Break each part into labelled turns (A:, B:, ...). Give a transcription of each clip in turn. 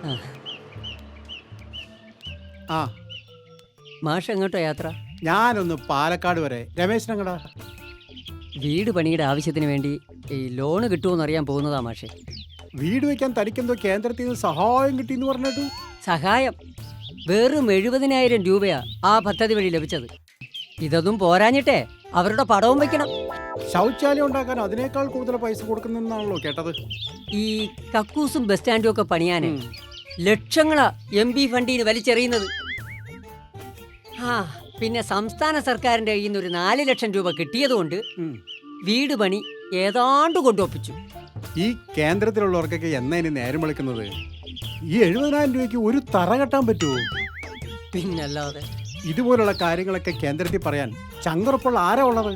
A: ആ
B: മാഷ് എങ്ങോട്ടോ യാത്ര?
A: ഞാനൊന്ന് പാലക്കാട് വരെ. രമേശനങ്ങടാ?
B: വീട് പണിയുടെ ആവശ്യത്തിന് വേണ്ടി ഈ ലോണ് കിട്ടുമെന്ന് അറിയാൻ പോകുന്നതാ മാഷെ.
A: വീട് വെക്കാൻ തനിക്കെന്തോ കേന്ദ്രത്തിൽ നിന്ന് സഹായം കിട്ടിയെന്ന് പറഞ്ഞിട്ടു.
B: സഹായം വെറും 70,000 രൂപയാ ആ പദ്ധതി വഴി ലഭിച്ചത്. ഇതൊന്നും പോരാഞ്ഞിട്ടേ അവരുടെ പടവും വെക്കണം.
A: ശൗചാലയം ഉണ്ടാക്കാൻ അതിനേക്കാൾ കൂടുതൽ പൈസ കൊടുക്കുന്നെന്നാണല്ലോ കേട്ടത്.
B: ഈ കക്കൂസും ബസ് സ്റ്റാൻഡും ഒക്കെ പണിയാന് ലക്ഷങ്ങളാ MP ഫണ്ടിന് വലിച്ചെറിയുന്നത്. ആ പിന്നെ സംസ്ഥാന സർക്കാരിന്റെ കയ്യിൽ നിന്ന് ഒരു 4 ലക്ഷം രൂപ കിട്ടിയതുകൊണ്ട് വീട് പണി ഏതാണ്ട് കൊണ്ടുവപ്പിച്ചു.
A: ഈ കേന്ദ്രത്തിലുള്ളവർക്കൊക്കെ എന്നാ ഇനി നേരം വിളിക്കുന്നത്? ഈ 70,000 രൂപയ്ക്ക് ഒരു തറ കെട്ടാൻ പറ്റുമോ?
B: പിന്നല്ലാതെ.
A: ഇതുപോലുള്ള കാര്യങ്ങളൊക്കെ കേന്ദ്രത്തിൽ പറയാൻ ചങ്കുറപ്പുള്ള ആരാ ഉള്ളത്?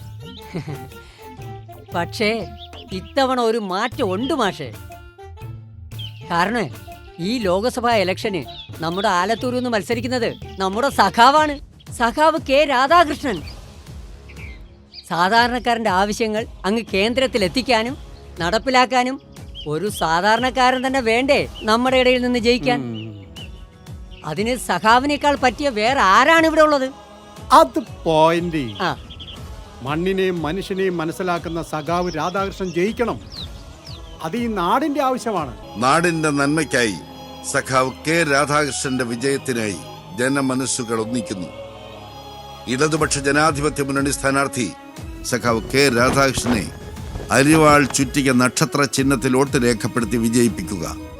B: പക്ഷേ ഇത്തവണ ഒരു മാറ്റം ഉണ്ട് മാഷേ. കാരണം ഈ ലോക്സഭാ ഇലക്ഷന് നമ്മുടെ ആലത്തൂരിൽ നിന്ന് മത്സരിക്കുന്നത് നമ്മുടെ സഖാവാണ്, സഖാവ് K. രാധാകൃഷ്ണൻ. സാധാരണക്കാരന്റെ ആവശ്യങ്ങൾ അങ്ങ് കേന്ദ്രത്തിൽ എത്തിക്കാനും നടപ്പിലാക്കാനും ഒരു സാധാരണക്കാരൻ തന്നെ വേണ്ടേ നമ്മുടെ ഇടയിൽ നിന്ന് ജയിക്കാൻ? അതിന് സഖാവിനേക്കാൾ പറ്റിയ വേറെ ആരാണ് ഇവിടെ ഉള്ളത്?
A: അത് പോയിന്റ്. മണ്ണിനെയും മനുഷ്യനെയും മനസ്സിലാക്കുന്ന സഖാവ് രാധാകൃഷ്ണൻ ജയിക്കണം. അത് ഈ നാടിന്റെ ആവശ്യമാണ്.
C: നാടിന്റെ നന്മയ്ക്കായി സഖാവ് K. രാധാകൃഷ്ണന്റെ വിജയത്തിനായി ജനമനസ്സുകൾ ഒന്നിക്കുന്നു. ഇടതുപക്ഷ ജനാധിപത്യ മുന്നണി സ്ഥാനാർത്ഥി സഖാവ് K. രാധാകൃഷ്ണനെ അരിവാൾ ചുറ്റിക നക്ഷത്ര ചിഹ്നത്തിൽ വോട്ട് രേഖപ്പെടുത്തി വിജയിപ്പിക്കുക.